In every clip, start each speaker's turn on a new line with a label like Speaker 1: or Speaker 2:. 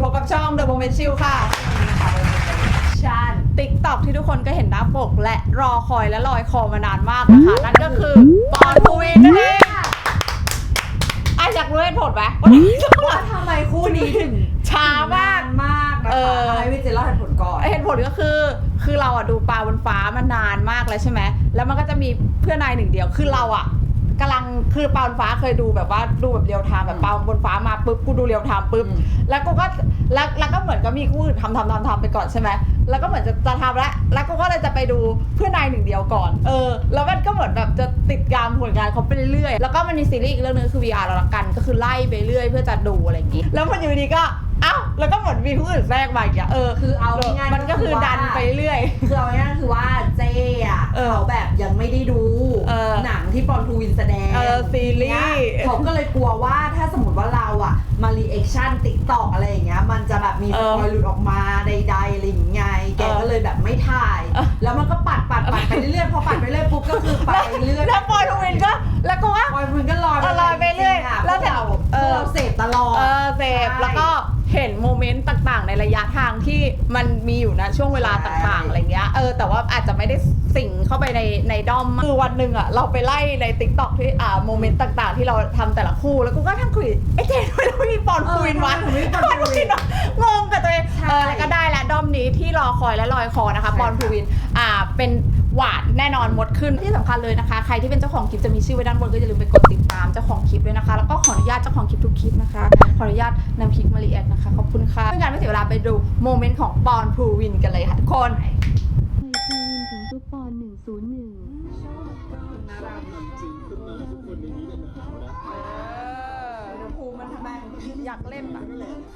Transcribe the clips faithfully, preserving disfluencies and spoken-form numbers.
Speaker 1: พบกับช่อง The Moment Chill ค่ะชันติ๊กต็อกที่ทุกคนก็เห็นหน้าปกและรอคอยและลอยคอมานานมากนะคะ นั่นก็คือปอนภูวินนั่นเองอ่ะอยากรู้เหตุผลไหม
Speaker 2: ว่าทำไมคู่นี้ถึง
Speaker 1: ช้ามาก
Speaker 2: มากนะคะให้พี่เจเล่าเหตุผลก่อน
Speaker 1: เหตุผลก็คือคือเราอะดูปลาบนฟ้ามานานมากแล้วใช่ไหมแล้วมันก็จะมีเพื่อนนายหนึ่งเดียวคือเราอะกำลังคือปลาบนฟ้าเคยดูแบบว่าดูแบบเรียวไทม์แบบปลาบนฟ้ามาปุ๊บกูดูเรียวไทม์ปุ๊บแล้วกูก็แล้วแล้วก็เหมือนก็มีคู่อื่นทำทำทำทำไปก่อนใช่ไหมแล้วก็เหมือนจะจะทำแล้วแล้วกูก็เลยจะไปดูเพื่อนนายหนึ่งเดียวก่อนเออแล้วมันก็เหมือนแบบจะติดตามผลงานเขาไปเรื่อยๆแล้วก็มันมีซีรีส์อีกเรื่องนึงคือ วี อาร์ เราละกันก็คือไล่ไปเรื่อยเพื่อจะดูอะไรอย่างงี้แล้วมันอยู่ดีก็เอ้าแล้วก็เหมือนมีผู้อื่นแทรกมาอีกอ่ะเออ
Speaker 2: คือเอาง่ายๆ
Speaker 1: มันก็คือดันไปเรื่อย
Speaker 2: คือเอาง่ายๆคือว่าเจ๊อ่ะเขาแบบยังไม่ได้ดูหนังที่ปอนภูวินแสดง
Speaker 1: เออซีรีส์
Speaker 2: เขาก็เลยกลัวว่าถ้าสมมติว่าเราอ่ะมารีแอคชั่นติ๊กต็อกอะไรอย่างเงี้ยมันจะแบบมีสปอยล์หลุดออกมาใดๆอะไรอย่างเงี้ยแกก็เลยแบบไม่ถ่ายแล้วมันก็ปัดปัดปัดไปเรื่อยๆพอปัดไปเรื่อยปุ๊บก็คือไปเรื่อย
Speaker 1: แล้วปอนภูวินก็แล้วก็ว่า
Speaker 2: ปอนภูวินก็ลอย
Speaker 1: ลอยไปเรื่อย
Speaker 2: แล้วเราเราเสพตลอด
Speaker 1: เออเสพแล้วก็เห็นโมเมนต์ต่างๆในระยะทางที่มันมีอยู่นะช่วงเวลาต่างๆอะไรเงี้ยเออแต่ว่าอาจจะไม่ได้สิงเข้าไปในในด้อมคือวันหนึ่งอ่ะเราไปไล่ใน ติ๊กต็อก ที่อ่าโมเมนต์ต่างๆที่เราทำแต่ละคู่แล้วกูก็ทั้งคุยไอ้เจ๊ทำไมเราไม่มีปอนภูวินวะปอนภูวินงงกับตัวเองเออแล้วก็ได้แล้วด้อมนี้ที่รอคอยและลอยคอนะคะปอนภูวินอ่าเป็นหวานแน่นอนหมดขึ้นที่สำคัญเลยนะคะใครที่เป็นเจ้าของคลิปจะมีชื่อไว้ด้านบนก็อย่าลืมไปกดติดตามเจ้าของคลิปด้วยนะคะแล้วก็ขออนุญาตเจ้าของคลิปทุกคลิปนะคะขออนุญาตนำคลิปมารีแอคนะคะขอบคุณค่ะเพื่อการไม่เสียเวลาไปดูโมเมนต์ของปอนภูวินกันเลยค่ะทุกคน
Speaker 3: เคยภูวินถึงซุปปอนหนึ่งศูนย์หนึ่ง
Speaker 4: น่ารักจริงขึ้นมาทุกคนในนี้จะหนาวนะ
Speaker 1: ภูมันทำไมอยากเล่นอ่ะ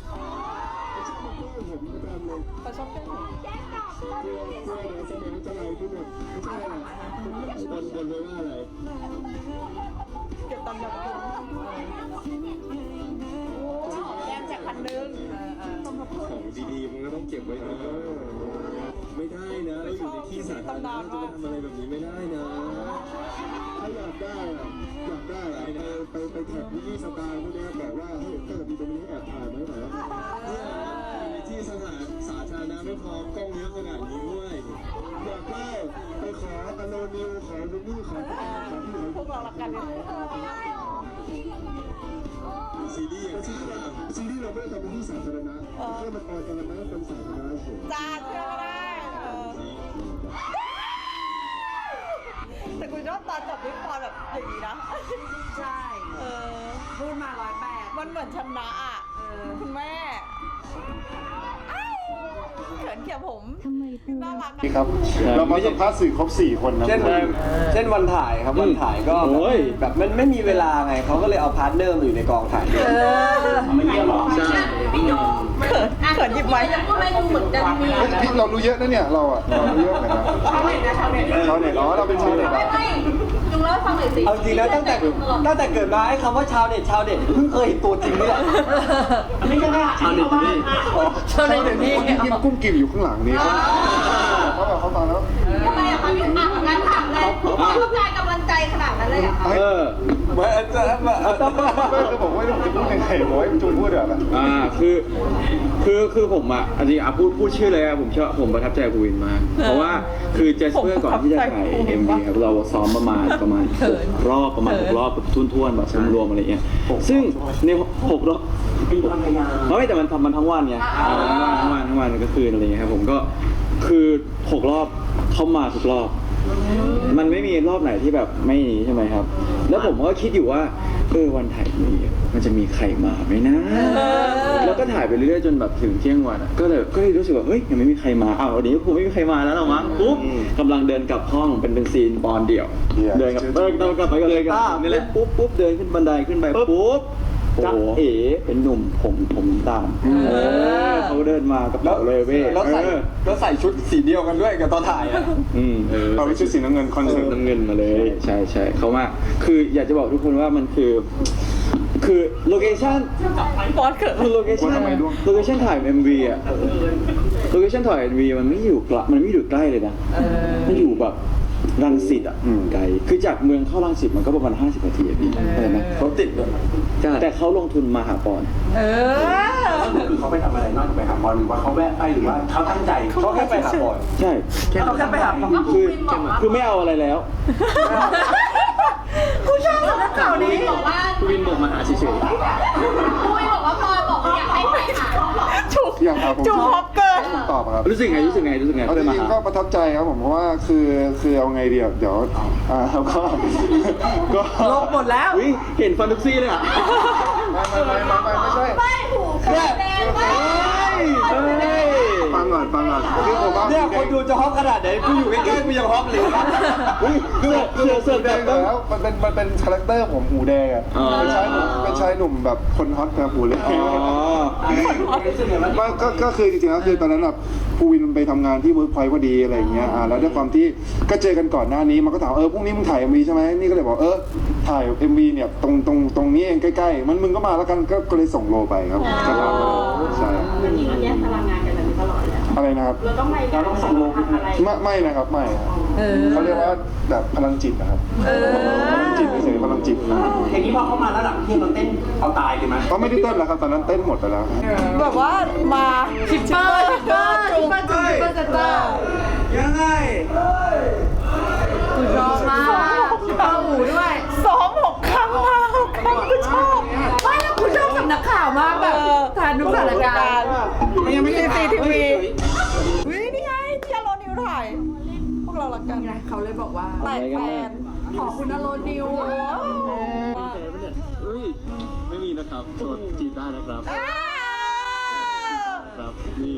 Speaker 1: เขาชอบเล่นผม
Speaker 4: เพื่อเพื่อในสมัยจะไรที่หมดไม่ใช่อะไรบนบนไว้ว่าอะไร
Speaker 1: เก็บตำแบบแก้มจากพันนึง
Speaker 4: ของดีๆมันก็ต้องเก็บไว้นะไม่ได้นะเราอยู่ในที่สาธารณะจะมาทำอะไรแบบนี้ไม่ได้นะถ้าอยากได้อะอยากได้อะไรนะไปไปแท็กวิสตาร์พวกนี้แบบว่าเฮ้ยถ้าเกิดมีตรงนี้แอบถ่ายไหมหน่อยเนี่ยในที่สถานสาธารณะไม่พอกล้องเยอะขนาดนี้ด้วยอยากได้ไปขออโนนิวขอดูนี่ขอขอที่ไหน
Speaker 1: พวกเราละกันเลย
Speaker 4: ซีรีส์ซีรีส์ซีรีส์เราไม่ได้ทำเป็นที่สาธารณะแค่มันออนแอร์นะเป็นสาธารณะเฉย
Speaker 1: จ้าเชื่อก็ได้แต่กูชอบตอนจบด้วยความแบบอย่างนี้นะ
Speaker 2: ใช่
Speaker 1: เออ
Speaker 2: พูดมาร้อยแปด
Speaker 1: มันเหมือนชนะอ่ะคุณแม่เขินเขียวผมน่ารัก
Speaker 5: นี่ครับเรามาสัมภาษณ์สื่อครบสี่คนนะ
Speaker 6: เช่นเช่นวันถ่ายครับวันถ่ายก็แบบมันไม่มีเวลาไงเขาก็เลยเอาพาร์ทเนอร์มาอยู่ในกองถ่ายด้วย
Speaker 5: ไม่เยี่ยมหรอใช่
Speaker 1: เขินหยิบไว้
Speaker 5: เรารู้เยอะนะเนี่ยเราอ่ะเรารู้เยอะเหมือนกันชาวเน็ตนะชาวเน็ตชาวเน็ตอ๋อเราเป็นชาวเน็ต
Speaker 2: จุงเล่าฟังหน่อยสิ
Speaker 6: เอาจริงนะตั้งแต่ตั้งแต่เกิดมาไอ้คำว่าชาวเน็ตชาวเน็ตเพิ่งเคยเห็นตัวจริงนี่แหละ
Speaker 5: นี่ก็ชาวเน็ตนี่
Speaker 2: ชาวเน็ตนี่
Speaker 5: ยิ้มกุ้งกิ่มอยู่ข้างหลังนี่เขาแบบเขาฟังแล้ว
Speaker 2: ทำไมอ่ะคะพี่อ่ะงั้นถามเลยต้องการกำลังใจขนาดนั้นเลยอ่ะ
Speaker 6: เออเหมือนจะแบบ
Speaker 5: ไม่คือผมว่าจะพูดยังไงผมให้จุงพูดแบบ
Speaker 7: อ่าคือคือคือผมอ่ะอันนี้อ่ะพูดพูดชื่อเลยอ่ะผมชอบผมประทับใจภูวินมากเพราะว่าคือเจสเปอร์ก่อนที่จะถ่าย เอ็ม วี ครับเราซ้อมประมาณประมาณรอบประมาณหกรอบแบบทุ่นๆแบบรวมๆอะไรเงี้ยซึ่งในหกรอบไม่แต่มันทำมันทั้งวันไงทั้งวันทั้งวันทั้งวันก็คืนอะไรเงี้ยครับผมก็คือหกรอบเข้ามาทุกรอบมันไม่มีรอบไหนที่แบบไม่นี้ใช่ไหมครับแล้วผมก็คิดอยู่ว่าเออวันถ่ายมีมันจะมีใครมาไหมนะแล้วก็ถ่ายไปเรื่อยๆจนแบบถึงเที่ยงวันก็เลยก็เลยรู้สึกว่าเฮ้ยยังไม่มีใครมาอ้าววันนี้คงไม่มีใครมาแล้วหรอมั้งปุ๊บกำลังเดินกลับห้องเป็นเป็นซีนบอลเดี่ยวเดินกับเดินกลับไปกันเลยกันนี่แหละปุ๊บปุ๊บเดินขึ้นบันไดขึ้นไปปุ๊บจ้าเอ๋เป็นหนุ่มผมผมตามเออเขาเดินมากับเราเลยเว้ย
Speaker 6: แล้วใส่แล้วใส่ชุดสีเดียวกันด้วยกับตอนถ่ายอ่ะ
Speaker 7: อืมเออ
Speaker 5: เราไปชุดสีน้ำเงินคอนเสิร์ต
Speaker 7: น้ำเงินมาเลยใช่ใช่เขามาคืออยากจะบอกทุกคนว่ามันคือคือโลเคชั่น
Speaker 1: ปอนเกิด
Speaker 7: คือโลเคชั่นโลเคชั่นถ่าย เอ็ม วี อ่ะโลเคชั่นถ่าย เอ็ม วี มันไม่อยู่กลมันไม่อยู่ใกล้เลยนะไม่อยู่แบบรังสิตอ่ะ
Speaker 5: อืม
Speaker 7: ไกลคือจากเมืองเข้ารังสิตมันก็ประมาณห้าสิบนาทีอะพี่เข้าใจไหม
Speaker 6: เขาติดด้วย
Speaker 7: แต่เขาลงทุนมาหาปอน
Speaker 1: เออ
Speaker 8: คือเขาไปทำอะไรนอกจากไปหาบอลหรือว่าเขาแวะไปหรือว่าเขาตั้งใจ
Speaker 6: เขาแค่ไปหาบอล
Speaker 7: ใช่
Speaker 2: เขาแค่ไปหาปอ
Speaker 7: คือคือไม่เอาอะไรแล้ว
Speaker 2: กูชอบสำนักข่าวนี้
Speaker 9: บอกว่า
Speaker 7: วินบอกมาหาเฉย
Speaker 9: คุยบอกว่าพลอยบอกว่าอยากให้ไปหา
Speaker 1: จุก
Speaker 5: อย่างครับผม
Speaker 1: จุกฮอปเกิน
Speaker 5: ผมตอบครับ
Speaker 7: ๆรู้สึกไงรู้สึกไงรู้สึกไง
Speaker 5: เอา
Speaker 7: เขา
Speaker 5: จ
Speaker 7: เลยมา
Speaker 5: ริง
Speaker 7: หา
Speaker 5: ๆก็ประทับใจครับผมเพราะว่าคือคือเอาไงเดียวเดี๋ยวอ่าแล้วก็ ก็
Speaker 2: ลบหมดแล้ว
Speaker 7: อุ้ยเห็นฟันทุกซี่เลยอ่ะ
Speaker 5: ไม่ไม่ไม่ไม่ไม่ใช่
Speaker 9: ไม่หูคือแดงมาก
Speaker 7: เฮ้ย
Speaker 5: ฟังก่อนฟังก่อนคือผมว่า
Speaker 6: เนี่ยคนดูจะฮอปขนาดไหนกูอยู่ใกล้ๆกูยังฮอปเลย
Speaker 7: อุ้ยเสื้อเสื้อเสื้อ
Speaker 5: แด
Speaker 7: แบ
Speaker 5: ง
Speaker 7: บ
Speaker 5: แล้วมันเป็นมันเป็นคาแรคเตอร์ผมหูแดงอ่ะ
Speaker 7: อ๋อ
Speaker 5: เป็นชายหนุ่มเป็นชายหนุ่มแบบคนฮอตแบบหูแดง
Speaker 7: อ๋อ
Speaker 5: ก็ก็ก็คือจริงๆแล้วคือตอนนั้นแบบภูวินไปทำงานที่เวิร์กพอยต์พอดีอะไรอย่างเงี้ยอ่าแล้วด้วยความที่ก็เจอกันก่อนหน้านี้มันก็ถามเออพรุ่งนี้มึงถ่ายเอ็มวีใช่ไหมนี่ก็เลยบอกเออถ่ายเอ็มวีเนี่ยตรงตรงตรงนี้เองใกล้ๆมันมึงก็มาแล้วกันก็ก็เลยส่งโลไปครับก็ตามมาใช่
Speaker 9: จริงๆเราแยกตารางงานกันแบบนี้ตลอดเลย
Speaker 5: อะไรนะครับ
Speaker 9: เราต้องไปเราต้องส่งลงอะไร
Speaker 5: ไม่ไม่นะครับไม่ครับเขาเรียกว่าแบบพลังจิตนะครับพลังจิตเฉยๆพลังจิตนะ
Speaker 8: อย่างนี้พอเข้ามาแล้วหลังที่เราเต้นเอาตายเลยไหม
Speaker 5: ก็ไม่ได้เต้นแล้วครับตอนนั้นเต้นหมดไปแล้วครับ
Speaker 1: แบบว่ามาชิปเปอร์ชิปเปอร์จุก
Speaker 2: จุ๊บจุ๊บจุ๊บจุ๊บ
Speaker 6: ยังไง
Speaker 2: กูชอบมากเข้าหูด้วย
Speaker 1: ซ้อมหกครั้งมาหกครั้งกูชอบ
Speaker 2: ไม่แล้วกูชอบสำนักข่าวมากแบบทานทุกสถานการณ์
Speaker 1: มันยังไม่ได้ซีทีวีวินี่ไงที่อโรนิวถ่าย พวกเรารักกัน
Speaker 2: เขาเลยบอกว่า
Speaker 1: แตกแฟน
Speaker 2: ขอคุณอโรนิว
Speaker 7: เฮ้ยไม่มีนะครับโสดจีบได้นะครับครับนี่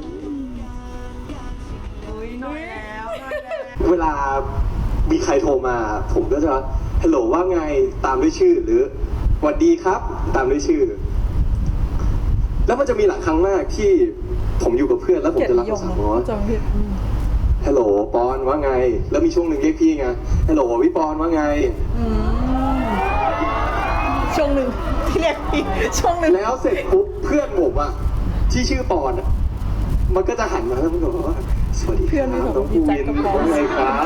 Speaker 2: อุ้ยน้อยแล้ว
Speaker 6: เวลามีใครโทรมา ผมก็จะฮัลโหลว่าไงตามด้วยชื่อหรือสวัสดีครับตามด้วยชื่อ แล้วมันจะมีหลายครั้งมากที่ผมอยู่กับเพื่อนแล้วผมจะรับโทรศัพท์ว่า
Speaker 1: จำผิด
Speaker 6: ฮัลโหลปอนว่าไง แล้วมีช่วงหนึ่งเรียกพี่ไงฮัลโหลพี่ปอนว่าไง
Speaker 1: ช่วงหนึ่งที่เรียกพี่ช่วงหนึ่ง
Speaker 6: แล้วเสร็จปุ๊บเพื่อนผมอะที่ชื่อปอนอะมันก็จะหันมาแล้วมันบอกว่าสวัสดีครับน้องภูวินว่าไงครับ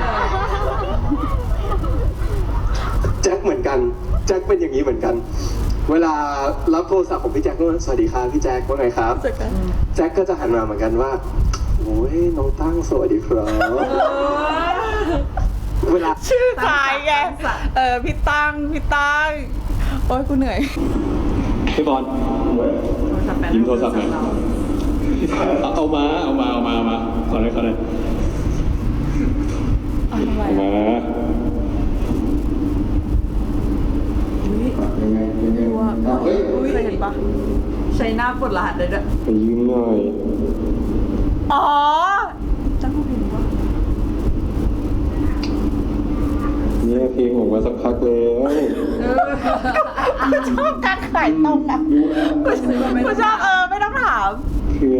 Speaker 6: แจ็คเหมือนกันแจ็คเป็นอย่างนี้เหมือนกัน เวลารับโทรศัพท์ของพี่แจ็คก็สวัสดีครับพี่แจ็คว่าไงครับแจ็คก็จะหันมาเหมือนกันว่าโอ้ยน้องตั้งสวัสดีครับเวลา
Speaker 1: ชื่อคล้ายไงเออพี่ตั้งพี่ตั้งโอ๊ยกูเหนื่อย
Speaker 7: พี่บอลยิ้มโทรศัพท์หน่อยเอามาเอามาเอามาเอามาขอหน่อยขอหน่อยเอามา
Speaker 2: เคยเห็นปะใช้หน้าปลดรหัสเลยด้วย
Speaker 7: ไปยืมหน่อย
Speaker 1: อ๋อ
Speaker 2: จังหูผิวปะ
Speaker 7: เนี่ยเพลงผมมาสักพักแล้ว
Speaker 1: กูชอบการขายตรงอ่ะกูชอบเออไม่ต้องถาม
Speaker 7: เพื่อ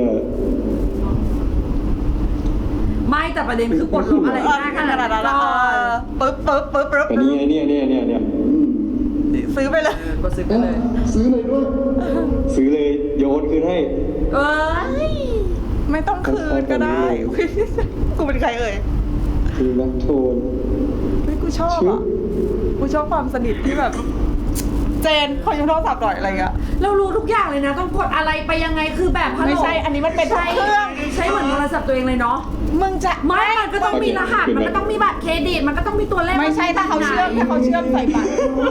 Speaker 2: ไม่แต่ประเด็นคือปลดล็อกอะไร
Speaker 1: เออ
Speaker 2: ง่าย
Speaker 1: ข
Speaker 2: ข
Speaker 1: นา
Speaker 2: นา
Speaker 1: ด
Speaker 2: ด
Speaker 1: นั้
Speaker 2: นั้น น
Speaker 1: ละ
Speaker 2: ก่อน
Speaker 1: ปึ๊บปึ๊บปึ๊บปึ๊บ
Speaker 7: แต่นี่ไงเนี่ยเนี่ยเนี่ยเนี่ย
Speaker 1: ซื้อไปเลย
Speaker 2: ก็ซื้อไปเลย
Speaker 5: ซื้อเลยด้วย
Speaker 7: ซื้อเลยโยนคืนให้
Speaker 2: เอ้ย
Speaker 1: ไม่ต้องคืนก็ได้อุ๊ยกูเป็นใครเอ่ย
Speaker 7: คือรักโทน
Speaker 1: เฮ้ยกูชอบอ่ะกูชอบความสนิทที่แบบ เจนขอยืมโทรศัพท์หน่อยอะไรเงี้ย
Speaker 2: เรารู้ทุกอย่างเลยนะ ต้องกดอะไรไปยังไงคือแบบฮัลโหล
Speaker 1: ไม่ใช่อันนี้มันเป็นทุกเครื่อง
Speaker 2: ใช้เหมือนโทรศัพท์ตัวเองเลยเนาะ
Speaker 1: มึงจะ
Speaker 2: ไม่มันก็ต้องมีรหัสมันก็ต้องมีบัตรเครดิตมันก็ต้องมีตัวเลข
Speaker 1: ไม่ใช่ถ้าเขาเชื่อมถ้าเขาเชื่อมใส่บัตร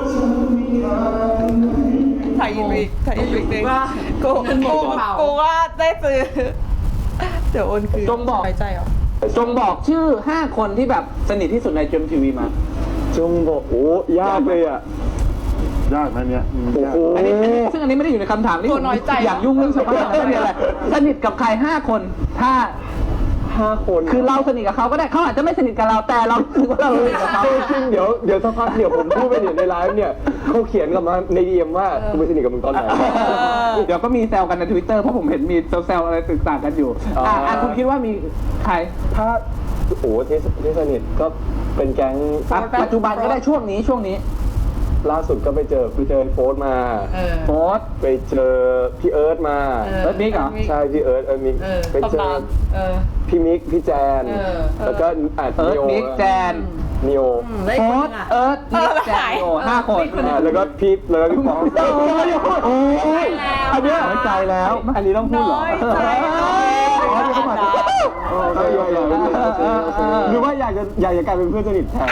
Speaker 1: ถ่ายอีกอีกถ่ายอีกอีกนึงกูกูกูว่าได้ซื้อเดี๋ยวโอนคืน
Speaker 10: จงบอก
Speaker 1: ไว้ใจเหรอ
Speaker 10: จงบอกชื่อห้าคนที่แบบสนิทที่สุดในเจมทีวีมา
Speaker 7: จงบอกโอ้ยากเลยอ่ะ
Speaker 5: ยากนะเนี่ยอืมยาก
Speaker 10: อันนี้ซึ่งอันนี้ไม่ได้อยู่ในคำถามนี่
Speaker 1: ตัวน้อยใจ
Speaker 10: อยากยุ่งเรื่องชาวบ้านไม่มีอะไรสนิทกับใครห้าคน ถ้า
Speaker 7: ห้าคน
Speaker 10: คือเราสนิทกับเขาก็ได้เขาอาจจะไม่สนิทกับเราแต่เรารู้สึกว่าเราสนิทกับเขา
Speaker 7: จริงเดี๋ยวเดี๋ยวสักพักเดี๋ยวผมพูดไปเดี๋ยวในไลฟ์เนี่ยเขาเขียนกลับมาในดีเอ็มว่ากูไปสนิทกับมึงตอนไหน
Speaker 10: เดี๋ยวก็มีแซวกันในทวิตเตอร์เพราะผมเห็นมีแซวๆอะไรต่างๆกันอยู่
Speaker 7: อ๋ออ่
Speaker 10: อ่ะอ่ะคุณคิดว่ามีใคร
Speaker 7: ถ้าโอ้ที่ที่สนิทก็เป็นแก๊ง
Speaker 10: อ่ะปัจจุบันก็ได้ช่วงนี้ช่วงนี้
Speaker 6: ล่าสุดก็ไปเจอไปเจอโฟร์มา
Speaker 1: เออ
Speaker 10: โฟร์ธ
Speaker 6: ไปเจอพี่เอิร์ธมา
Speaker 1: เออ
Speaker 10: เอิร์ธมิกเหรอ
Speaker 6: ใช่พี่เอิร์ธเอิร์ธมิก
Speaker 1: เออ
Speaker 6: ไปเจอ
Speaker 1: ตำนานเออ
Speaker 6: พี่มิกพี่แจน
Speaker 1: เออ
Speaker 6: แล้วก็อ่ะ
Speaker 10: เอิร์ธ
Speaker 6: นิโอ
Speaker 10: มิกแจน
Speaker 6: นิโอ
Speaker 2: ได้
Speaker 10: โฟ
Speaker 2: คน
Speaker 10: ร์ธ
Speaker 2: อ่ะ
Speaker 10: เอิร์ธมิกแจนโอห้าคน
Speaker 6: อ่าแล้วก็พี่แล้วก็พี่ปอง
Speaker 10: โอ้ยอันเนี้ยน้อยใจแล้ว อันนี้ต้องพูดเหรอ
Speaker 1: น้อยใจ
Speaker 10: อ๋อที่เขามาโอ้ยใหญ่ใหญ่หรือว่าอยากจะอยากจะกลายเป็นเพื่อนสนิทแทน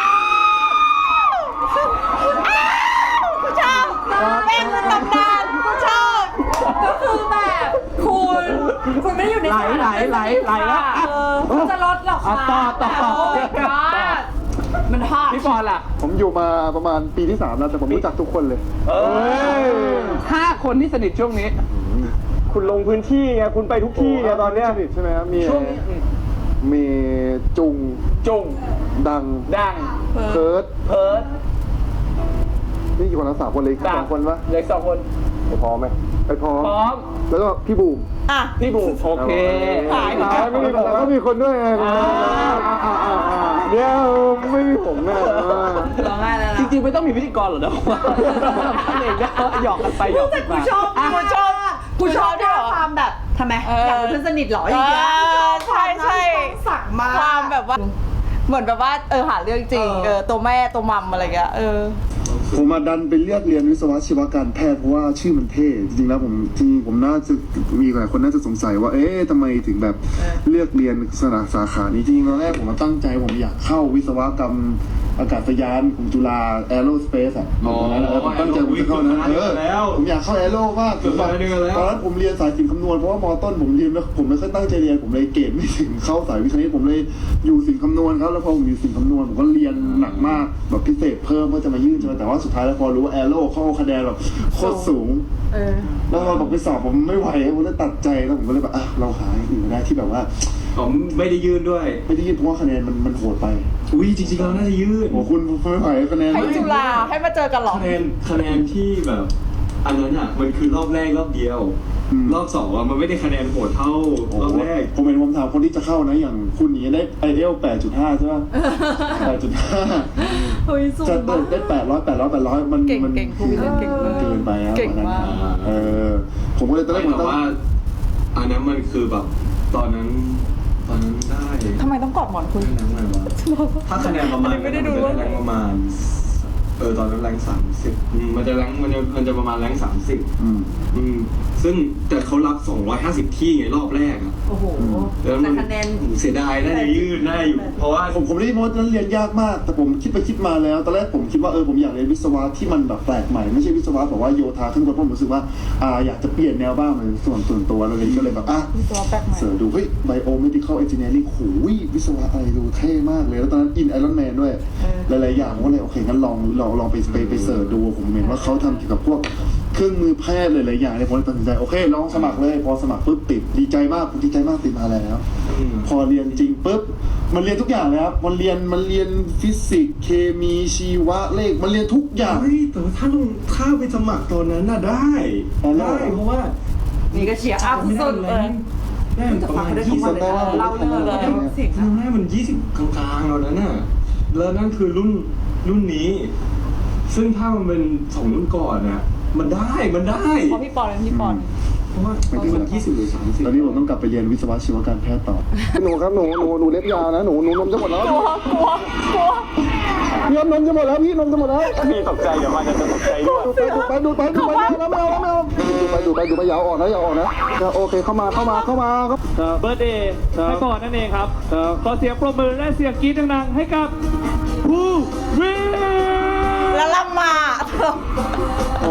Speaker 1: กูชอบแม่งคือตำนานกูชอบ
Speaker 2: ก็คือแบบคุณคุณไม่ได้อยู่ใน
Speaker 10: ไหลไหลไหลไหลแล้ว
Speaker 2: เออคุณจะลดหรอก
Speaker 10: อ่ะ
Speaker 2: ค่ะ
Speaker 10: ต่อต่อ
Speaker 2: โอ้ยก็มันฮอต
Speaker 10: พี่ปอนล่ะ
Speaker 5: ผมอยู่มาประมาณปีที่สามแล้วแต่ผมรู้จักทุกคนเลย
Speaker 10: เอ้ยห้าคนที่สนิทช่วงนี้
Speaker 6: คุณลงพื้นที่ไงคุณไปทุกที่ไงตอนเนี้ย
Speaker 5: สนิทใช่ไหมครับมี
Speaker 10: ช่วงนี้
Speaker 5: มีจุง
Speaker 10: จุง
Speaker 5: ดัง
Speaker 10: ดัง
Speaker 5: เพิร์ด
Speaker 10: เพิร์ด
Speaker 5: นี่กี่คนละสามคนเลยสองคนปะ
Speaker 10: เด็กสองคน
Speaker 6: ไปพร้อมไหม
Speaker 5: ไปพร้อม
Speaker 10: พร้อม
Speaker 5: แล้วก็พี่บูม
Speaker 1: อ่ะ
Speaker 10: พี่บุ๋มโอเค
Speaker 1: หายไป
Speaker 5: แล้วไม่มีผมแล้วก็มีคนด้วยไง
Speaker 10: อ่าอ่าอ่าอ่า
Speaker 5: เดี๋ยวไม่มีผมแน่
Speaker 2: ร้องไห้แล้ว
Speaker 10: จ
Speaker 2: นะ
Speaker 10: ริงๆไม่ต้องมีพิธีกรหรอกนะเองก็หยอกกันไปหยอกกัน
Speaker 2: กู
Speaker 10: มา
Speaker 2: ชอบ
Speaker 1: อ่ะกูชอบ
Speaker 2: กูชอบ
Speaker 1: กูชอบด้วยเหรอ
Speaker 2: ความแบบทำไม
Speaker 1: เอออย
Speaker 2: อากเป็นเพื่อนสนิทเหรออย่างเงี้ย
Speaker 1: เออใช่ใช่
Speaker 2: สักมาก
Speaker 1: ความแบบว่า เหมือนแบบว่าเออหาเรื่องจริง
Speaker 2: เออ
Speaker 1: เออตัวแม่ตัวมัมอะไรเงี้ยเออ
Speaker 5: ผมมาดันไปเลือกเรียนวิศวะชีวการแพทย์เพราะว่าชื่อมันเท่จริงๆแล้วผมจริงๆผมน่าจะมีหลายคนน่าจะสงสัยว่าเอ๊ะทำไมถึงแบบเลือกเรียนสาสาขานี้จริงๆตอนแรกผมมาตั้งใจผมอยากเข้าวิศวกรรมอากาศยานของจุฬาแอโรสเปซอ่ะตอนนั้นเออผมตั้งใจผมจะเข้านั้นเออผมอยากเข้าแอโรมากผมแบบตอนนั้นผมเรียนสายศิลป์คำนวณเพราะว่ามอต้นผมเรียนแล้วผมไม่ค่อยตั้งใจเรียนผมเลยเกรดไม่ถึงเข้าสายวิทย์คณิตผมเลยอยู่ศิลป์คำนวณครับแล้วพอผมอยู่ศิลป์คำนวณผมก็เรียนหนักมากแบบพิเศษเพิ่มเพื่อจะมายื่นใช่ไหมแต่ว่าสุดท้ายแล้วพอรู้ว่าแอโรเข้าคะแนนแบบโคตรสูง
Speaker 1: เออ
Speaker 5: แล้วเราบอกไปสอบผมไม่ไหวผมเลยตัดใจแล้วผมก็เลยแบบอ่ะเราหาอย่างอื่นได้ที่แบบว่า
Speaker 7: ผมไม่ได้ยื่นด้วย
Speaker 5: ไม่ได้ยื่นเพราะว่าคะแนนมันมันโหดไป
Speaker 7: อุ้ยจริงๆเราน่าจะยื่น
Speaker 5: โอ้คุณไม่ไหวคะแนน
Speaker 1: ให้จุฬาให้มาเจอกันเหรอ
Speaker 7: คะแนนคะแนนที่แบบ อันนั้นอ่ะมันคือรอบแรกรอบเดียว รอบสองอ่ะมันไม่ได้คะแนนโหดเท่ารอบแรก
Speaker 5: ผมเห็นผมถามคนที่จะเข้านะอย่างคุณนี้ได้ไอเอลแปดจุดห้าใช่ไหมแปดจุดห้า
Speaker 2: เฮ้ยสูง
Speaker 5: จะ
Speaker 2: มาก
Speaker 5: ได้แปดร้อยแปดร้อยแปดร้อยมัน
Speaker 1: เก่ง
Speaker 5: มัน
Speaker 1: เก่งภูวินเก่งมาก
Speaker 5: เกินไปครับ
Speaker 1: เก่งมาก
Speaker 5: เออผมก็เลยตอนแร
Speaker 7: ไม่
Speaker 5: กผม
Speaker 7: แต่
Speaker 5: ตั้ง
Speaker 7: ว่า อันนั้นมันคือแบบตอนนั้น ตอนนั้นได้
Speaker 1: ทำไมต้องกอดหมอนคุณ
Speaker 7: คะแนนอะไรวะถ้าคะแนนประมาณ
Speaker 1: ไม่ได้ดู
Speaker 7: มันจะแรงประมาณ เออตอนนั้นแรงสามสิบมันจะแรงมันจะมันจะประมาณแรงสามสิบ
Speaker 5: อืม
Speaker 7: อืมซึ่งแต่เขารับสองร้อยห้าสิบที่ไงรอบแรกอะ
Speaker 2: โอ้โห
Speaker 7: แล้ว
Speaker 2: แต่
Speaker 7: มัน
Speaker 2: คะแนน
Speaker 7: เสียดายน่าจะยืดได้อยู่ เพราะว่า
Speaker 5: ผมผมได้ยินว่านั้นเรียนยากมาก แต่ผมคิดไปคิดมาแล้วตอนแรกผมคิดว่าเออผมอยากเรียนวิศวะที่มันแบบแปลกใหม่ไม่ใช่วิศวะแบบว่าโยธาขึ้นบนเพราะผมรู้สึกว่าอ่าอยากจะเปลี่ยนแนวบ้างเลยส่วนส่วนตัวอะไรก็เลยแบบอ่ะ
Speaker 1: วิศวะแปลกใหม่
Speaker 5: เสิร์ชดูเฮ้ยไบโอเมดิคอลเอนจิเนียริ่งโหยวิศวะอะไรดูเท่มากเลย แล้วตอนนั้นอินไอรอนแมนด้วย หลายๆอย่างผมก็เลยโอเคงั้นลองลองลองไปไปไปเสิร์ชดูผมเห็นว่าเขาทำเกี่ยวกับพวกเครื่องมือแพทย์หลายๆอย่างเนี่ยผมเลยตัดสินใจโอเคลองสมัครเลยพอสมัครปุ๊บติดดีใจมากผมดีใจมากติดมาแล้ว
Speaker 7: อืม
Speaker 5: พอเรียนจริงปุ๊บมันเรียนทุกอย่างเลยครับมันเรียนมันเรียนฟิสิกส์เคมีชีวะเลขมันเรียนทุกอย่าง
Speaker 7: เฮ้ยแต่ว่าถ้าลงถ้าไปสมัครตอนนั้นน่ะได้
Speaker 5: อ๋อเหรอ
Speaker 7: ได้เพราะว่า
Speaker 2: นี่ก็เชียร์อัพสุดๆเลย
Speaker 7: ได้ประมาณ
Speaker 2: แต่ฟังได้ทุ
Speaker 7: ยี่
Speaker 2: กวั
Speaker 7: สิ
Speaker 2: น
Speaker 7: บ
Speaker 2: เลยนะเล่าเรื่องเลยเสียง
Speaker 7: ครั้งแรกมันยี่สิบกลางๆตอนนั้นน่ะแล้วนั่นคือรุ่นรุ่นนี้ ซึ่งถ้ามันเป็นสองรุ่นก่อนน่ะมันได้มันได้
Speaker 1: เพราะพี่ปอนเป็นพี่ปอน
Speaker 7: เพราะว่ามันยี่สิบหรือสามสิบ
Speaker 5: ตอนนี้ผมต้องกลับไปเรียนวิศวะชีวการแพทย์ต่อหนูครับหนูหนูหนูเล็บยาวนะหนูหนูนมจะหมดแล้ว
Speaker 1: กลัวกลัวกลัว
Speaker 5: พี่นมจะหมดแล้วพี่นมจะหมดแล้ว
Speaker 6: พี่ตกใจเดี๋ยวมันจะตกใจด้วย
Speaker 5: ดูไปดูไปดูไปดูไปแล้วไม่เอาแล้วไม่เอาดูไปดูไปดูไปอย่าออกนะอย่าออกนะโอเคเข้ามาเข้ามาเข้ามาครับ
Speaker 10: เบิร์ดเดย์ให้ก่อนนั่นเองครับ ขอเสียงปรบมือและเสียงกรี๊ดดังๆให้กับผู้วิน
Speaker 1: แล้วลำมา
Speaker 5: โอ้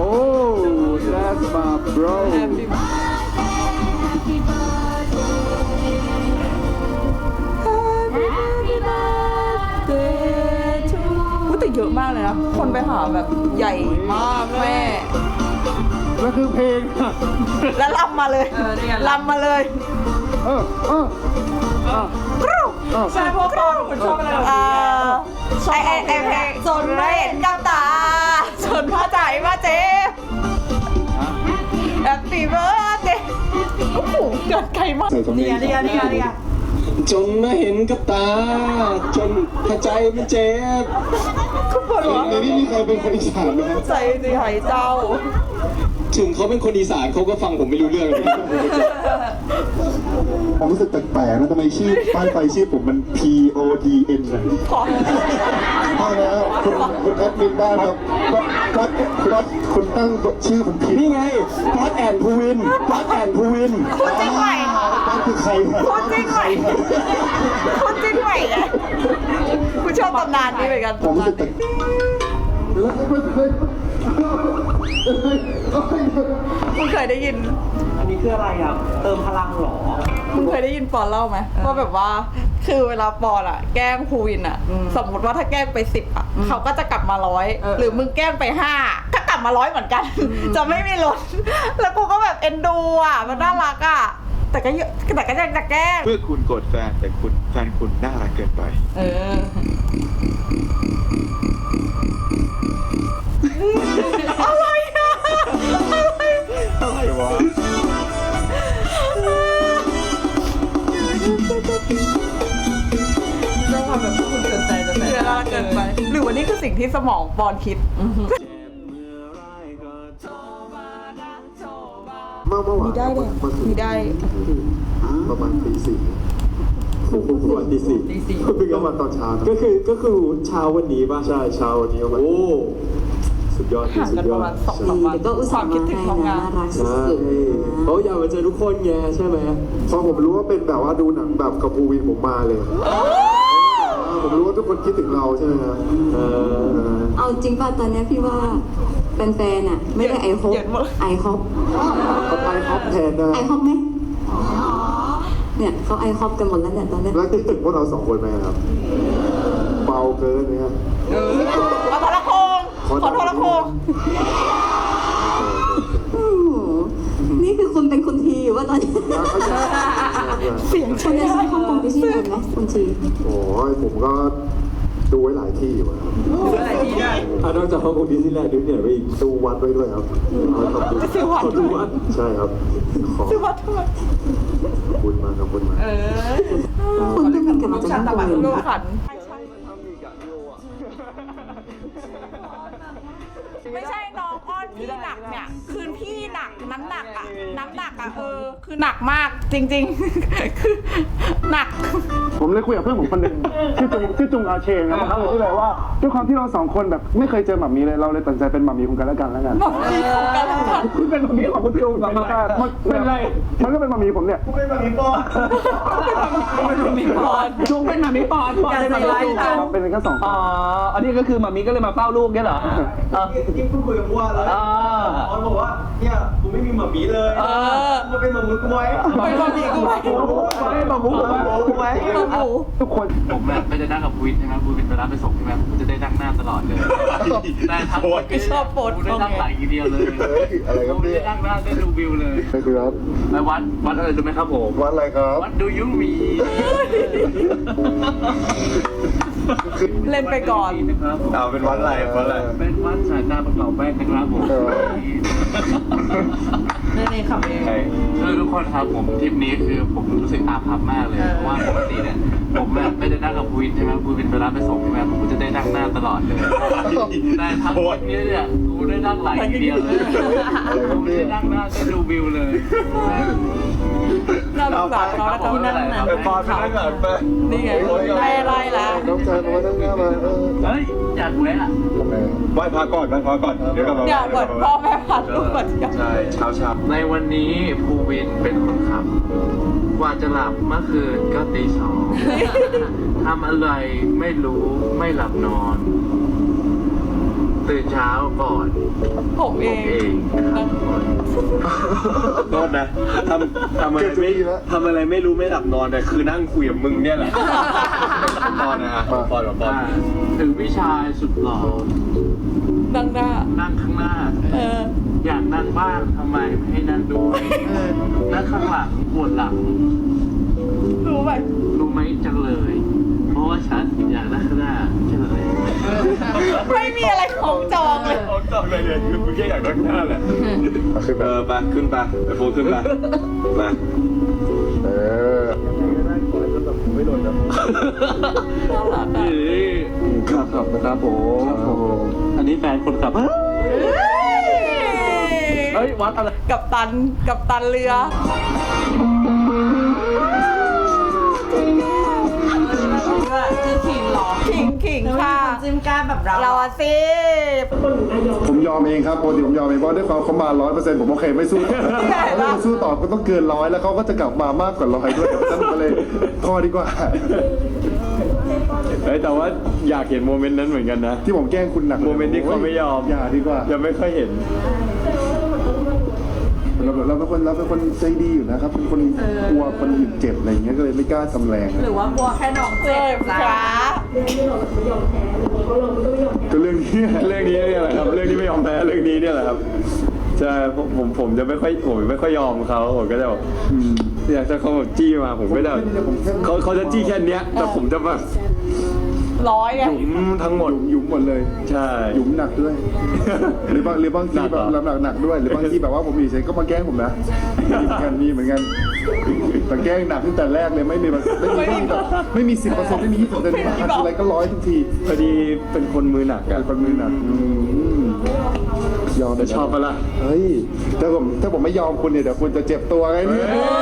Speaker 5: that's my bro
Speaker 3: Happy birthday to
Speaker 1: อุ๊ยแต่เยอะมากเลยนะ คนไปหาแบบใหญ่มากแม่
Speaker 10: แล้วคือเพลงอะ
Speaker 1: แล้วลำมาเลยลำมาเลย
Speaker 5: เออเออ
Speaker 1: กรู
Speaker 2: ใช่เพราะตอนคุณชอบอะไรแบบ
Speaker 1: อ่า
Speaker 2: นี้
Speaker 1: ไอไอไอเพลงจนไม่เห็นกับตาจนพ่อใจมาเจ็บ Happy birthday โอ้โหเกิดไกลมาก
Speaker 5: ใส่สำเนี
Speaker 2: นี่
Speaker 5: ย
Speaker 2: ไง
Speaker 5: ง
Speaker 2: นี่ไงนี่ไงนี่ไง
Speaker 4: จนมาเห็นกับตา จนหัวใจมันเจ็บ
Speaker 5: ในนี้มีใครเป็นคนอีสานไหมครับ
Speaker 1: ใจสิหายเจ้า
Speaker 4: ถึงเขาเป็นคนอีสานเขาก็ฟังผมไม่รู้เรื่องเลย
Speaker 5: ผมรู้สึกแปลกๆนะทำไมชื่อป้ายไฟชื่อผมมัน P O D N นะ
Speaker 1: ขอ
Speaker 5: ใช่แล้วคุณคุณแอดมินบ้านครับก็ก็ก็คุณตั้งชื่อผมผิด
Speaker 4: นี่ไงพัดแอนภูวินพัดแอนภูวิน
Speaker 1: คุณจริงไหม
Speaker 5: นั่นคือใครครับ
Speaker 1: คุณจริงไหมคุณจริงไหมเนี่ยคุณชอบตำนานนี้เหมือนกัน
Speaker 5: ผมรู้สึกแปลก
Speaker 1: มึงเคยได้ยิน
Speaker 10: อันนี้คืออะไรอ่ะ เติมพลังหรอ
Speaker 1: มึงเคยได้ยินปอนเล่าไหมว่าแบบว่าคือเวลาปอนอะแกล้งภูวินอะสมมติว่าถ้าแกล้งไปสิบอะเขาก็จะกลับมาร้อยหรือมึงแกล้งไปห้าก็กลับมาร้อยเหมือนกัน จะไม่มีลดแล้วกูก็แบบเอ็นดูอะมันน่ารักอะแต่ก็เยอะแต่ก็ยังจะแกล้ง
Speaker 11: เพื่อคุณโกรธแฟนแต่คุณแฟนคุณน่ารักเกินไป
Speaker 1: เอออะไรอะอะไร
Speaker 11: อะไรวะ
Speaker 2: ต้องทำแบบคุณเกินใจจะ
Speaker 1: เสียน่ารักเกินไป หรือว่านี่คือสิ่งที่สมองปอนคิด
Speaker 5: เมื่อเมื่อวาน
Speaker 1: มีได้เลยมีได้
Speaker 5: ประมาณตีสี่
Speaker 4: ประมาณตีสี่
Speaker 2: ตีสี่
Speaker 5: ก็มาตอนเช้า
Speaker 4: ก็คือก็คือเช้าวันนี้ป่ะ
Speaker 5: ใช่เช้าวันนี้ประมาณ
Speaker 4: โอ้สุดยอด
Speaker 1: ห่าง
Speaker 4: สุ
Speaker 1: กั
Speaker 4: ด
Speaker 1: น
Speaker 4: ย
Speaker 1: ป
Speaker 4: อ
Speaker 1: ระ
Speaker 4: ด
Speaker 1: มาณสองสามวัน
Speaker 2: แต่ก็อุตส่าห์
Speaker 1: คิดถึงทำงาน
Speaker 2: น่ารัก
Speaker 4: ใช่เขาอยากมาเจอทุกคนไงใช่ไหม
Speaker 5: พอผมรู้ว่าเป็นแบบว่าดูหนังแบบกับภูวินผมมาเลยผมรู้ว่าทุกคนคิดถึงเราใช่ไหมครับ
Speaker 4: เออ
Speaker 12: เอาจริงป่ะตอนเนี้ยพี่ว่าแฟนๆอ่ะ ไม่ได้ไอฮอป
Speaker 1: เหยียดหมด
Speaker 12: ไอฮอป
Speaker 5: ก็ไปท็อปแทนนะ
Speaker 12: ไอฮอปไหมเนี่ยเขาไอฮอปกันหมดแล้วเนี่ยตอนเนี้ย
Speaker 5: แล้วคิดถึงพวกเราสองคนไหมครับเบาเกินนะครับ
Speaker 1: ขอโทรละโคงขอโทรละโคง
Speaker 12: โอ้โหนี่คือคุณเป็นคุณทีอยู่ว่าตอนนี้
Speaker 1: เสียง
Speaker 12: คุณจะซื้อฮ่องกงดิสนีย์แลนด์ไหมคุณที
Speaker 5: โอ้ยผมก็ดูไว้หลายที่อยู่ครับ
Speaker 2: อะไรดีได้
Speaker 4: อ่ะนอกจากฮ่องกงดิสนีย์แลนด์ดิสนีย์ไปอีก
Speaker 5: ดูวัดไว้ด้วยครับขอบคุณ
Speaker 1: ซื้อวัด
Speaker 4: ขอดูวัด
Speaker 5: ใช่ครับขอ
Speaker 1: ซื้อวัดทำไม
Speaker 5: ขอบคุณมากขอบคุณมาก
Speaker 2: เออ
Speaker 12: คุณเพิ่งบินกลับมาจากฮ่องกงเลย
Speaker 1: ลูก
Speaker 12: นะ
Speaker 1: ขัน ไม่ใช่น้องอ้อนพี่หนักเนี่ย คือพี่หนักน้ำหนักอะน้ำหนักอะเออ คือหนักมากจริงๆ คือหนัก
Speaker 5: ผมเลยคุยกับเพื่อนผมคนหนึ่งชื่อจุงชื่อจุงอาเชงนะครับที่แบบว่าด้วยความที่เราสองคนแบบไม่เคยเจอหม่ามีเลยเราเลยตัดสินใจเป็นหม่ามีของกันและกันแล้วกัน
Speaker 1: หม่ามีของกันและกัน
Speaker 5: คือเป็นหม่ามีของคุณจุงแบบมันเป็นไรมันก็เป็นหม่ามีผมเนี่ยเป็นหม่ามีปอน
Speaker 1: เป็นหม่ามีปอน
Speaker 10: จุงเป็นหมามิปอนปอนเลยมาลูก
Speaker 5: เป็นแค่สอง
Speaker 10: อ๋อ อันนี้ก็คือหมามิก็เลยมาเฝ้าลูกเนี่ยเหรอเออ
Speaker 6: ที่เพิ่งคุยกับบัวเลย
Speaker 10: อ่า
Speaker 6: ออนบอกว่าเนี่ยกูไม่มีหมามีเลย
Speaker 1: เออ
Speaker 6: กูเป็นหมามุกไว้
Speaker 1: เป็นหม่ามีกูไว้
Speaker 6: ไม่หมามุกไว้
Speaker 1: หมาหมู
Speaker 5: ทุกคน
Speaker 11: ผมแบบไม่ได้นั่งกับวินใช่ไหมวินไปรับไปส่งใช่ไหมผมจะได้นั่งหน้าตลอดเลยแต่ทั้งหมด
Speaker 1: ชอบโปรด
Speaker 11: กูได้นั่งหลังอย่างเดียวเลย
Speaker 5: อะไรครับ
Speaker 11: ผม
Speaker 5: พี่
Speaker 11: ได้นั่งหน้าได้ดูวิวเลย
Speaker 5: ใช่ครับ
Speaker 11: ไปวัดวัดอะไรรู้ไหมครับผม
Speaker 5: วัดอะไรครับ
Speaker 11: วัดดูยูมี
Speaker 1: เล่นไปก่อน
Speaker 11: นะครับ
Speaker 4: เอาเป็นวัดอะไรวัดอะไร
Speaker 11: เป็นวัดสายตาประกอบแว่นนะครับผม
Speaker 2: นี่นี่ขับเอง
Speaker 11: คือทุกคนครับผมทริปนี้คือผมรู้สึกอาภัพมากเลย เพราะว่าปกติเนี่ยผมแบบไม่ได้นั่งกับวินใช่ไหมวินไปรับไปส่งใช่ไหมผมจะได้นั่งหน้าตลอดเลยแต่ทั้งหมดนี้เนี่ยกูได้นั่งหลังอย่างเดียวเลยกูไม่ได้นั่งหน้าได้ดูวิวเลย
Speaker 1: น่าสงสารเขาแล้วก็นั่งนั่ง
Speaker 4: ไปปอนไปนั่งก่อนไป
Speaker 1: นี่ไงไล่ไล่แล้ว
Speaker 5: น้องชายมาตั้งหน้ามาเออ
Speaker 11: เฮ้ยอยากแวะ
Speaker 5: ทำไม
Speaker 4: ไหว้พระก่อนไหว้พระก่อนเดี๋ยวกลับมา
Speaker 1: เนี่ยเหมือนพ่อแม่พัดลูกมาเที่ยว
Speaker 4: ใช่เช้าเช้า
Speaker 11: ในวันนี้ภูวินเป็นคนขับ กว่าจะหลับเมื่อคืนก็ตีสองทำอะไรไม่รู้ไม่หลับนอน ตื่นเช้าก่อน
Speaker 1: ผมเอ
Speaker 11: ผม
Speaker 1: ง
Speaker 11: เองครับ
Speaker 4: โทษนะทำทำอะไรไม่ทำอะไรไม่รู้ไม่หลับนอนแต่คือนั่งคุยกับมึงเนี่ยแหละปอนนะฮะปอนปอนปอน
Speaker 11: ถึงพี่ชายสุดหล่อ
Speaker 1: ดังหน้า
Speaker 11: นั่งข้างหน้า
Speaker 1: เออ
Speaker 11: อยากนั่งบ้างทำไมไม่ให้นั่งด้วยนั่งข้างหลังปวดหลัง
Speaker 1: รู้ไหม
Speaker 11: รู้ไหมจังเลย เพราะว่าฉันอยากนั่งข้างหน้าใช่ไหม
Speaker 1: ไม่มีอะไรของจองเลย
Speaker 4: เขาจำเลยเนี่ยคือมึงแค่อยากนั่งหน้าแหละขึ้นเออไปขึ้นไปไปโฟนขึ้นไปมา
Speaker 5: เออไม่หล่นนะ
Speaker 10: ครับครับนะครับผมอันนี้แฟนคนขับเฮ้ยวัดอะไร
Speaker 1: กับตันกับตันเรือคือขิงหรอขิงขิงค่ะ
Speaker 2: จิ้มกล้าแบบเรา
Speaker 1: เราอะสิ
Speaker 5: ผมยอมเองครับปกติผมยอมเองเพราะด้วยความเขามาร้อยเปอร์เซ็นต์ผมโอเคไม่สู้ถ้าสู้ต่อก็ต้องเกินร้อยแล้วเขาก็จะกลับมามากกว่าร้อยด้วยนั่นก็เลยพอดีกว่า
Speaker 7: เฮ้ยแต่ว่าอยากเห็นโมเมนต์นั้นเหมือนกันนะ
Speaker 5: ที่ผมแกล้งคุณหนัก
Speaker 7: โมเมนต์ที่เขาไม่ยอม
Speaker 5: อย่าดีกว่า
Speaker 7: ยังไม่ค่อยเห็น
Speaker 5: เราเราเป็นคนเราเป็นคนใจดีอยู่นะครับเป็นคนกลัวคนอื่นเจ็บอะไรอย่างเงี้ยก็เลยไม่กล้าทำแรง
Speaker 2: หรือว่ากลัวแค่น้องเจ็บ
Speaker 1: จ้า
Speaker 5: ก็เรื่องนี้
Speaker 7: เรื่องนี้เนี่ยแหละครับเรื่องที่ไม่ยอมแพ้เรื่องนี้เนี่ยแหละครับใช่ผมผมผมจะไม่ค่อยผมไม่ค่อยยอมเขาผมก็จะแบบอยากจะเขาแบบจี้มาผมก็จะเขาเขาจะจี้แค่เนี้ยแต่ผมจะแบบ
Speaker 1: ร้อยไง
Speaker 7: หยุมทั้งหมด
Speaker 5: หยุมหมดเลย
Speaker 7: ใช่
Speaker 5: หยุมหนักด้วย หรือบางหรือบางทีแบบหนักหนักด้วยหรือบางทีแบบว่าผมอยู่เฉยก็มาแกล้งผมนะมีเหมือนกันมีเหมือนกันแต่แกล้งหนักตั้งแต่แรกเลยไม่มีแบบไม่มีแบบไม่มีสิบเปอร์เซ็นต์ไม่มียี่สิบเปอร์เซ็นต์มาอะไรก็ร้อยทุกที
Speaker 7: พอดีเป็นคนมือหนักอะ
Speaker 5: เป็นคนมือหนักอืมยอม
Speaker 7: จะชอบปะล่ะ
Speaker 5: เฮ้ยถ้าผมถ้าผมไม่ยอมคุณเนี่ยเดี๋ยวคุณจะเจ็บตัวไงเนี่ย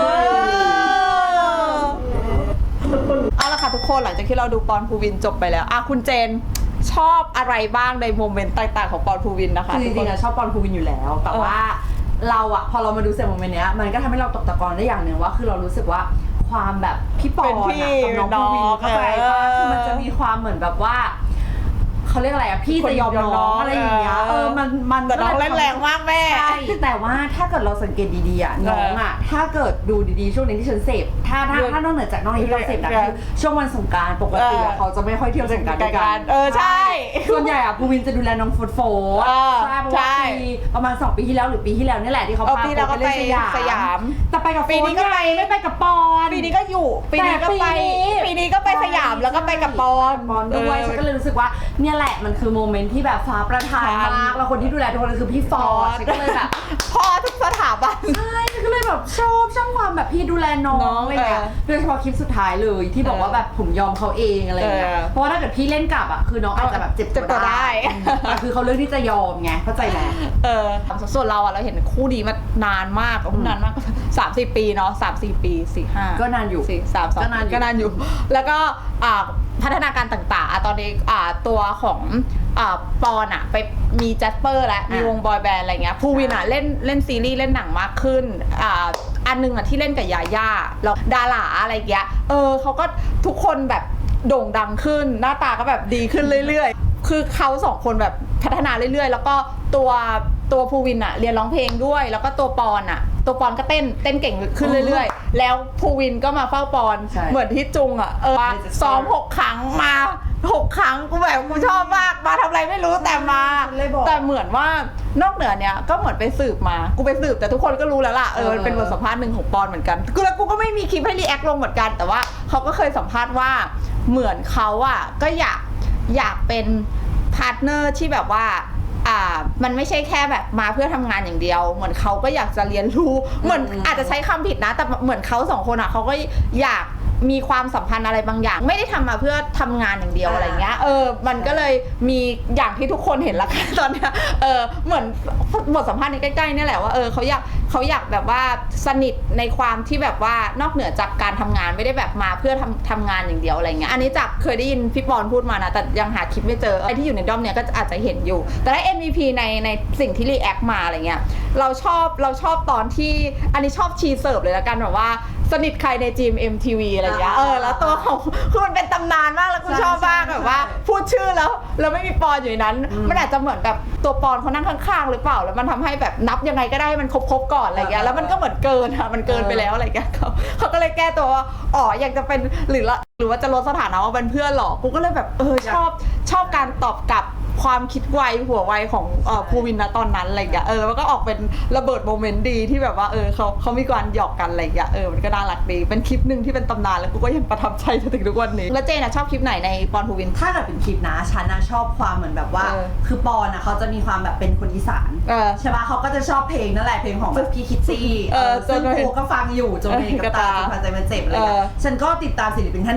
Speaker 1: เอาละค่ะทุกคนหลังจากที่เราดูปอนภูวินจบไปแล้วอ่ะคุณเจนชอบอะไรบ้างในโมเมนต์ต่างๆของปอนภูวินนะคะ
Speaker 2: คือจริงๆอะชอบปอนภูวินอยู่แล้ว แต่ว่าเราอะพอเรามาดูเสร็จโมเมนต์เนี้ยมันก็ทำให้เราตกตะกอนได้อย่างหนึ่งว่าคือเรารู้สึกว่าความแบบพี่ปอนอะกับน้องภูวินเข้าใจปะคือมันจะมีความเหมือนแบบว่าเขาเรียกอะไรอะพี่จะยอมน้องอะไรอย่างเงี้ยเออมันมัน
Speaker 1: แต่น้องเล่นแรงมากแม่
Speaker 2: ใช่แต่ว่าถ้าเกิดเราสังเกตดีๆอะน้องอะถ้าเกิดดูดีๆช่วงนี้ที่ฉันเสพถ้าถ้าถ้านอกเหนือจากน้องที่เราเสพนะคือช่วงวันสงกรานต์ปกติอะเขาจะไม่ค่อยเที่ยวสงกรานต์ด้วยกัน
Speaker 1: เออใช่
Speaker 2: ส่วนใหญ่อะภูวินจะดูแลน้องโฟร์โฟร์
Speaker 1: เออ
Speaker 2: ใช่เพราะ
Speaker 1: ใช่
Speaker 2: ว่าปีประมาณสองปีที่แล้วหรือปีที่แล้วนี่แหละที่เขา
Speaker 1: เออ
Speaker 2: พา
Speaker 1: ปีแล้วก็
Speaker 2: ไปเล่น
Speaker 1: ไป
Speaker 2: สยาม
Speaker 1: สยาม
Speaker 2: แต่ไปกับโฟ
Speaker 1: ปีนี้ก็ไป
Speaker 2: งไม่ไปกับปอน
Speaker 1: ปีนี้ก็อยู่ปีนี้ก็ไป
Speaker 2: แต่ปีนี้
Speaker 1: ปีนี้ก็ไปสยามแล้วก็ไปกับปอน
Speaker 2: ปอนด้วยฉันก็เลยรู้สึกว่าเนี่ยแหละมันคือโมเมนต์ที่แบบฟ้าประทานมากแล้วคนที่ดูแลทุกคนคือพี่ฟอร์ดฉันก็เลยแบบ
Speaker 1: พ่อทุกสถาบัน
Speaker 2: ใช่ฉันก็เลยแบบชอบช่างความแบบพี่ดูแลน้องอะไรเงี้ย
Speaker 1: เออ
Speaker 2: โดยเฉพาะคลิปสุดท้ายเลยที่บอกว่าแบบผมยอมเขาเองอะไรเงี้ย
Speaker 1: เออ
Speaker 2: เพราะว่าถ้าเกิดพี่เล่นกลับอ่ะคือน้องอาจจะแบบเจ็บ
Speaker 1: เจ็บตัวได้
Speaker 2: แต่คือเขาเลือกที่จะยอมไงเข้าใจไหม
Speaker 1: เออส่วนเราอะเราเห็นคู่นี้มานานมากนานมากสามสี่ปีเนาะสามสี่ปีสี่ห้า
Speaker 2: ก็นานอยู่
Speaker 1: สี่สามสอง
Speaker 2: ก็นานอยู่
Speaker 1: ก็นานอยู่ แล้วก็อ่าพัฒนาการต่างๆอ่ะตอนนี้อ่าตัวของอ่าปอนอะไปมีแจสเปอร์แล้วมีวงบอยแบนด์อะไรเงี้ยภูวินอะเล่นเล่นซีรีส์เล่นหนังมากขึ้นอ่าอันนึงอะที่เล่นกับยาย่าแล้วดาราอะไรเงี้ยเออเขาก็ทุกคนแบบโด่งดังขึ้นหน้าตาก็แบบดีขึ้นเรื่อยๆคือเขาสองคนแบบพัฒนาเรื่อยๆแล้วก็ตัวตัวภูวินอะเรียนร้องเพลงด้วยแล้วก็ตัวปอนอะตัวปอนก็เต้นเต้นเก่งขึ้นเรื่อยๆแล้วภูวินก็มาเฝ้าปอน
Speaker 2: ใช่
Speaker 1: เหมือนที่จุงอะเออซ้อมหกครั้งมาหกครั้งกูแบบกูชอบมากมาทำอะไรไม่รู้แต่มา
Speaker 2: เลยบอก
Speaker 1: แต่เหมือนว่านอกเหนือเนี้ยก็เหมือนไปสืบมากูไปสืบแต่ทุกคนก็รู้แล้วล่ะเออมันเป็นบทสัมภาษณ์หนึ่งของปอนเหมือนกันกูแล้วกูก็ไม่มีคลิปให้รีแอคลงเหมือนกันแต่ว่าเขาก็เคยสัมภาษณ์ว่าเหมือนเขาอะก็อยากอยากเป็นพาร์ทเนอร์ที่แบบว่าอ่ามันไม่ใช่แค่แบบมาเพื่อทำงานอย่างเดียวเหมือนเขาก็อยากจะเรียนรู้เหมือนอาจจะใช้คำผิดนะแต่เหมือนเขาสองคนอะเขาก็อยากมีความสัมพันธ์อะไรบางอย่างไม่ได้ทำมาเพื่อทำงานอย่างเดียวอะไรเงี้ยเออมันก็เลยมีอย่างที่ทุกคนเห็นละกันตอนเนี้ยเออเหมือนบทสัมภาษณ์ในใกล้ๆนี่แหละว่าเออเขาอยากเขาอยากแบบว่าสนิทในความที่แบบว่านอกเหนือจากการทำงานไม่ได้แบบมาเพื่อทำทำงานอย่างเดียวอะไรเงี้ยอันนี้จากเคยได้ยินพี่ปอนพูดมานะแต่ยังหาคลิปไม่เจอไอ้ที่อยู่ในด้อมเนี้ยก็อาจจะเห็นอยู่แต่ถ้า เอ็ม วี พี ในในสิ่งที่รีแอคมาอะไรเงี้ยเราชอบเราชอบตอนที่อันนี้ชอบชีเสิร์ฟเลยละกันแบบว่าสนิทใครในจีม เอ็ม ที วี อะไรเงี้ยเออแล้วตัวของคือมันเป็นตำนานมากแล้วกูชอบมากแบบว่าพูดชื่อแล้วแล้วไม่มีปอนอยู่ในนั้นมันอาจจะเหมือนแบบตัวปอนเขานั่งข้างๆหรือเปล่าแล้วมันทำให้แบบนับยังไงก็ได้ให้มันครบๆก่อนอะไรเงี้ยแล้วมันก็เหมือนเกินอะมันเกินไปแล้วอะไรเงี้ยเขาเขาก็เลยแก้ตัวว่าอ๋ออยากจะเป็นหรือละหรือว่าจะลดสถานะว่าเป็นเพื่อนหรอกูก็เลยแบบเออชอบชอบการตอบกลับความคิดไวหัวไวของเอ่อภูวินนะตอนนั้นอะไรอย่างเงี้ยเออมันก็ออกเป็นระเบิดโมเมนต์ดีที่แบบว่าเออเขาเขามีการหยอกกันอะไรอย่างเงี้ยเออมันก็น่ารักดีเป็นคลิปหนึ่งที่เป็นตำนานแล้วกูก็ยังประทับใจจนถึงทุกวันนี้แล้วเจนอะชอบคลิปไหนในปอนภูวิน
Speaker 2: ถ้าเกิดเป็นคลิปนะฉันนะชอบความเหมือนแบบว่า
Speaker 1: เออ
Speaker 2: คือปอนอะเขาจะมีความแบบเป็นคนอีสาน
Speaker 1: เออ
Speaker 2: ใช่ปะเขาก็จะชอบเพลงนั่นแหละเพลงของแบบพี่คิดซี่
Speaker 1: เออ
Speaker 2: ซึ่ง
Speaker 1: จน
Speaker 2: กูก็ฟังอยู่จนเพลงกับตา
Speaker 1: เออ
Speaker 2: จนพาใจมันเจ็บอะไร
Speaker 1: เอ
Speaker 2: เงี้
Speaker 1: อ
Speaker 2: ยฉันก็ติดตามศิลปินท่านนี้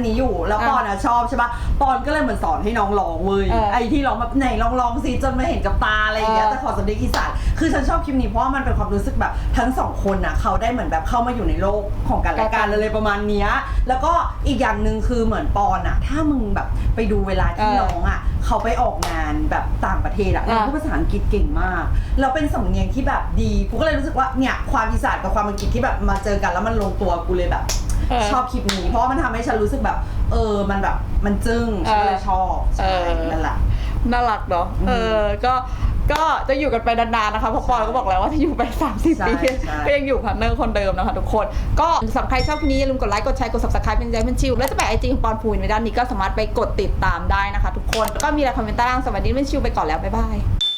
Speaker 2: นี้อยู่แล้วปอนอ่ะชอบใช่ปะปอนก็เลยเหมือนสอนให้น้องร้องเว้ย
Speaker 1: เออ
Speaker 2: ไอ้ที่ร้องแบบไหนลองร้องสิจนมาเห็นกับตาอะไรอย่างเงี้ย
Speaker 1: เออ
Speaker 2: แต่ขอสำเนียงอีสานคือฉันชอบคลิปนี้เพราะว่ามันเป็นความรู้สึกแบบทั้งสองคนอ่ะเขาได้เหมือนแบบเข้ามาอยู่ในโลกของกันและกันอะไรประมาณเนี้ยแล้วก็อีกอย่างหนึ่งคือเหมือนปอนอ่ะถ้ามึงแบบไปดูเวลาที่น้องอ่ะเขาไปออกงานแบบต่างประเทศอ่ะน้องพูดภาษาอังกฤษเก่งมากแล้วเป็นสำเนียงที่แบบดีกูก็เลยรู้สึกว่าเนี่ยความอีสานกับความอังกฤษที่แบบมาเจอกันแล้วมันลงตัวกูเลยแบบ
Speaker 1: เออ
Speaker 2: ชอบคลิปนี้เพราะว่ามันทำให้ฉันรู้สึกแบบ เออมันแบบมันจึ้งฉันก็เลยชอบใช่นั่นแหละ
Speaker 1: น่ารักเนาะเออก็ก็จะอยู่กันไปนานๆนะคะเพราะปอนก็บอกแล้วว่าจะอยู่ไปสามสิบ
Speaker 2: ใช่
Speaker 1: ปี
Speaker 2: ใช่
Speaker 1: ก็ยังอยู่พาร์ทเนอร์คนเดิมนะคะทุกคนก็สำหรับใครชอบคลิปนี้อย่าลืมกดไลค์กดแชร์กด subscribe เป็นใจเป็นชิวแล้วจะแปะไอจีของปอนพูนไว้ด้านนี้ก็สามารถไปกดติดตามได้นะคะทุกคนก็มีอะไรคอมเมนต์ใต้ล่างสวัสดีเป็นชิวไปก่อนแล้วบ๊ายบาย